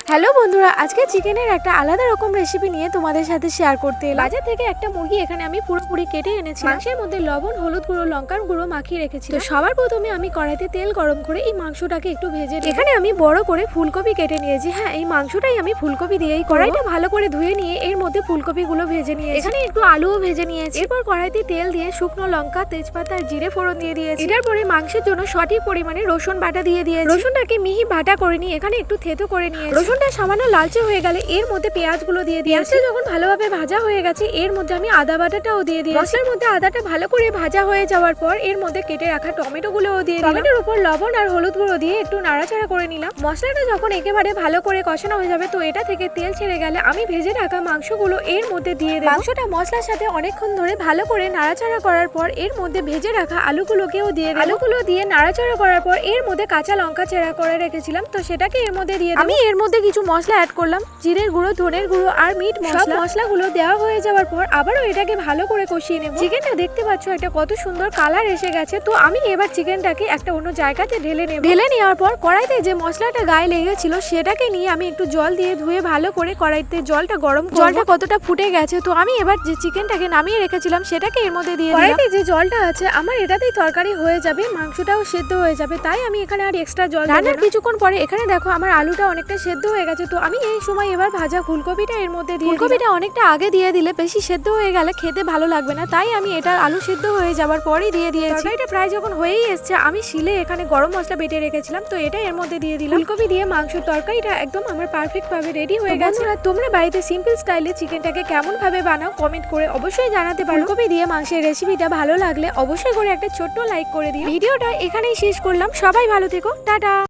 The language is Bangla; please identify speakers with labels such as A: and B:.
A: হ্যালো বন্ধুরা, আজকে চিকেনের একটা আলাদা রকম রেসিপি নিয়ে তোমাদের সাথে শেয়ার করতে এলাম। বাজার থেকে একটা মুরগি এখানে আমি পুরোপুরি কেটে এনেছি। মাংসের মধ্যে লবণ, হলুদ গুঁড়ো, লঙ্কার গুঁড়ো মাখিয়ে রেখেছি। তো সবার প্রথমে আমি কড়াইতে তেল গরম করে এই মাংসটাকে একটু ভেজে নিই। এখানে আমি বড় করে ফুলকপি কেটে নিয়েছি। হ্যাঁ, এই মাংসটাই আমি ফুলকপি দিয়েই কড়াইটা ভালো করে ধুয়ে নিয়ে এর মধ্যে ফুলকপিগুলো ভেজে নিয়েছি। এখানে একটু আলুও ভেজে নিয়েছি। এরপর কড়াইতে তেল দিয়ে শুকনো লঙ্কা, তেজপাতা আর জিরে ফোড়ন দিয়ে দিয়েছি। এটার পরে মাংসের জন্য সঠিক পরিমাণে রসুন বাটা দিয়ে দিয়েছি। রসুনটাকে মিহি বাটা করে নিয়ে এখানে একটু থেতো করে নিয়েছি। রসুনটা সামান্য লালচে হয়ে গেলে এর মধ্যে পেঁয়াজগুলো দিয়ে দিয়েছি। যখন ভালোভাবে ভাজা হয়ে গেছে এর মধ্যে আমি আদা বাটাটাও দিয়ে দিয়েছি। মশলার মধ্যে আদাটা ভালো করে ভাজা হয়ে যাওয়ার পর এর মধ্যে কেটে রাখা টমেটোগুলোও দিয়ে দিলাম। টমেটোর উপর লবণ আর হলুদ গুঁড়ো দিয়ে একটু নাড়াচাড়া করে নিলাম। মশলাটা যখন একেবারে ভালো করে কষানো হয়ে যাবে তো এটা থেকে তেল ছেড়ে গেলে আমি ভেজে রাখা মাংসগুলো এর মধ্যে দিয়ে দেব। মাংসটা মশলার সাথে অনেকক্ষণ ধরে ভালো করে নাড়াচাড়া করার পর এর মধ্যে ভেজে রাখা আলুগুলোকেও দিয়ে দেব। আলুগুলো দিয়ে নাড়াচাড়া করার পর এর মধ্যে কাঁচা লঙ্কা চেরা করে রেখেছিলাম তো সেটাকে এর মধ্যে দিয়ে দেব। আমি এর মধ্যে কিছু মশলা অ্যাড করলাম, জিরের গুঁড়ো, ধনের গুঁড়ো আর মিট মশলা। মশলাগুলো দেওয়া হয়ে যাওয়ার পর আবারও এটাকে ভালো করে কষিয়ে নেব। চিকেনটা দেখতে পাচ্ছ এটা কত সুন্দর কালার এসে গেছে। তো আমি এবার চিকেনটাকে একটা অন্য জায়গাতে ঢেলে নেব। ঢেলে নেওয়ার পর কড়াইতে যে মশলাটা গায়ে লেগেছিল সেটাকে নিয়ে আমি একটু জল দিয়ে ধুয়ে ভালো করে কড়াইতে জলটা গরম করব। জলটা কতটা ফুটে গেছে তো আমি এবার যে চিকেনটাকে নামিয়ে রেখেছিলাম সেটাকে এর মধ্যে দিয়ে দিলাম। কড়াইতে যে জলটা আছে আমার এটাতেই তরকারি হয়ে যাবে, মাংসটাও সেদ্ধ হয়ে যাবে, তাই আমি এখানে আর এক্সট্রা জল দেব না। কিছুক্ষণ পরে এখানে দেখো আমার আলুটা অনেকটা সেদ্ধ হয়ে গেছে। তো আমি এই সময় এবার ভাজা ফুলকপিটা এর মধ্যে দিয়ে ফুলকপিটা অনেকটা আগে দিয়ে দিলে বেশি সেদ্ধ হয়ে গেলে খেতে ভালো লাগবে না, তাই আমি এটা আলু সেদ্ধ হয়ে যাওয়ার পরেই দিয়ে দিয়েছি। এটা প্রায় যখন হয়েই এসছে আমি শিলে এখানে গরম মশলা বেটে রেখেছিলাম তো এটা এর মধ্যে দিয়ে দিলাম। ফুলকপি দিয়ে মাংসের তরকারিটা একদম আমার পারফেক্ট ভাবে রেডি হয়ে গেছে। তোমরা বাড়িতে সিম্পল স্টাইলে চিকেনটাকে কেমন ভাবে বানাও কমেন্ট করে অবশ্যই জানাতে পারো। ফুলকপি দিয়ে মাংসের রেসিপিটা ভালো লাগলে অবশ্যই করে একটা ছোট্ট লাইক করে দিও। ভিডিওটা এখানেই শেষ করলাম। সবাই ভালো থেকো, টাটা।